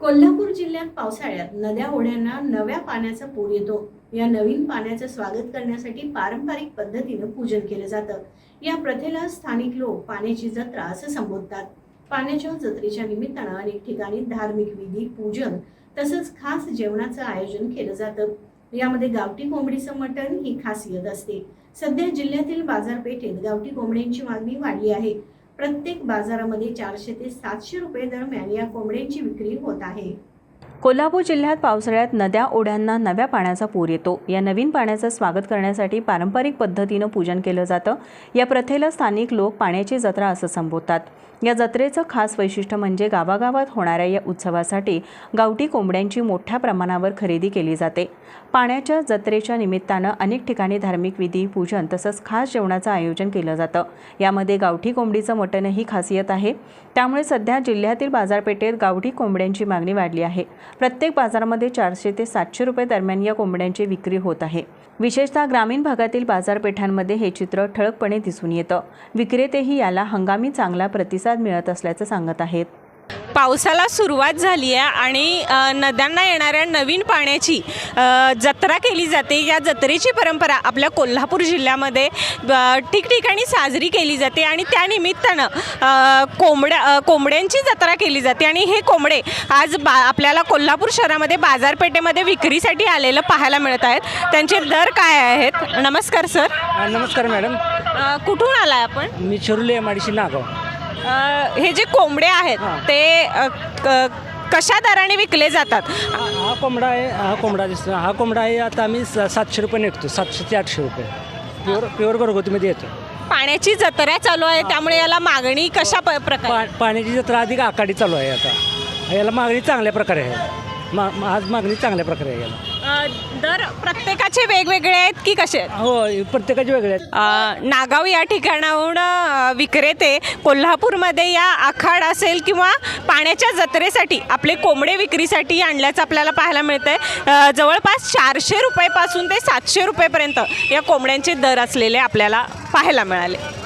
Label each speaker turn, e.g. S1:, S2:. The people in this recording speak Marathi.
S1: कोल्हापूर जिल्ह्यात पावसाळ्यात नद्या ओढ्यांना नव्या पाण्याचा पूर येतो। या नवीन पाण्याचं स्वागत करण्यासाठी पारंपरिक पद्धतीने पूजन केलं जातं। या प्रथेला स्थानिक लोक पाण्याची जत्रा असं संबोधतात। पाण्याच्या जत्रेच्या निमित्तानं अनेक ठिकाणी धार्मिक विधी, पूजन तसंच खास जेवणाचं आयोजन केलं जातं। यामध्ये गावठी कोंबडीचं मटण ही खासियत असते। सध्या जिल्ह्यातील बाजारपेठेत गावठी कोंबड्यांची मागणी वाढली आहे। प्रत्येक बाजारामध्ये 400 ते 700 रुपये दरम्यान या कोंबड्यांची विक्री होत आहे।
S2: कोल्हापूर जिल्ह्यात पावसाळ्यात नद्या ओढ्यांना नव्या पाण्याचा पूर येतो। या नवीन पाण्याचं स्वागत करण्यासाठी पारंपरिक पद्धतीनं पूजन केलं जातं। या प्रथेला स्थानिक लोक पाण्याची जत्रा असं संबोधतात। या जत्रेचं खास वैशिष्ट्य म्हणजे गावागावात होणाऱ्या या उत्सवासाठी गावठी कोंबड्यांची मोठ्या प्रमाणावर खरेदी केली जाते। पाण्याच्या जत्रेच्या निमित्तानं अनेक ठिकाणी धार्मिक विधी, पूजन तसंच खास जेवणाचं आयोजन केलं जातं। यामध्ये गावठी कोंबडीचं मटण ही खासियत आहे। त्यामुळे सध्या जिल्ह्यातील बाजारपेठेत गावठी कोंबड्यांची मागणी वाढली आहे। प्रत्येक बाजारामध्ये 400 ते 700 रुपये दरम्यान या कोंबड्यांची विक्री होत आहे। विशेषतः ग्रामीण भागातील बाजारपेठांमध्ये हे चित्र ठळकपणे दिसून येतं। विक्रेतेही याला हंगामी चांगला प्रतिसाद मिळत असल्याचं सांगत आहेत।
S3: पावसाला सुरुवात झाली आहे आणि नद्यांना येणाऱ्या नवीन पाण्याची जत्रा केली जाते। या जत्रेची परंपरा आपल्या कोल्हापूर जिल्ह्यामध्ये ठिकठिकाणी साजरी केली जाते आणि त्यानिमित्तानं कोंबड्यांची जत्रा केली जाते आणि हे कोंबडे आज आपल्याला कोल्हापूर शहरामध्ये बाजारपेठेमध्ये विक्रीसाठी आलेलं पाहायला मिळत आहेत। त्यांचे दर काय आहेत? नमस्कार सर।
S4: नमस्कार मॅडम।
S3: कुठून आलाय आपण?
S4: मी चिरोली MIDC नागाव।
S3: हे जे कोंबडे आहेत ते कशा दराने विकले जातात?
S4: हा कोंबडा आहे, हा कोंबडा आहे आता आम्ही 700 रुपये निघतो, 700 ते 800 रुपये प्युअर घरगुतीमध्ये येतो।
S3: पाण्याची जत्रा चालू आहे त्यामुळे याला मागणी कशा प्रकारे?
S4: पाण्याची जत्रा अधिक आखाडी चालू आहे आता। याला मागणी चांगल्या प्रकारे आहे। आज मागणी चांगल्या प्रकारे आहे याला।
S3: दर प्रत्येकाचे वेगवेगळे आहेत की कसे?
S4: हो, प्रत्येकाचे वेगळे आहेत।
S3: नागाव या ठिकाणाहून विक्रेते कोल्हापूरमध्ये या आखाड असेल किंवा पाण्याच्या जत्रेसाठी आपले कोंबडे विक्रीसाठी आणल्याचं आपल्याला पाहायला मिळतंय। जवळपास 400 रुपयेपासून ते 700 रुपयेपर्यंत या कोंबड्यांचे दर असलेले आपल्याला पाहायला मिळाले।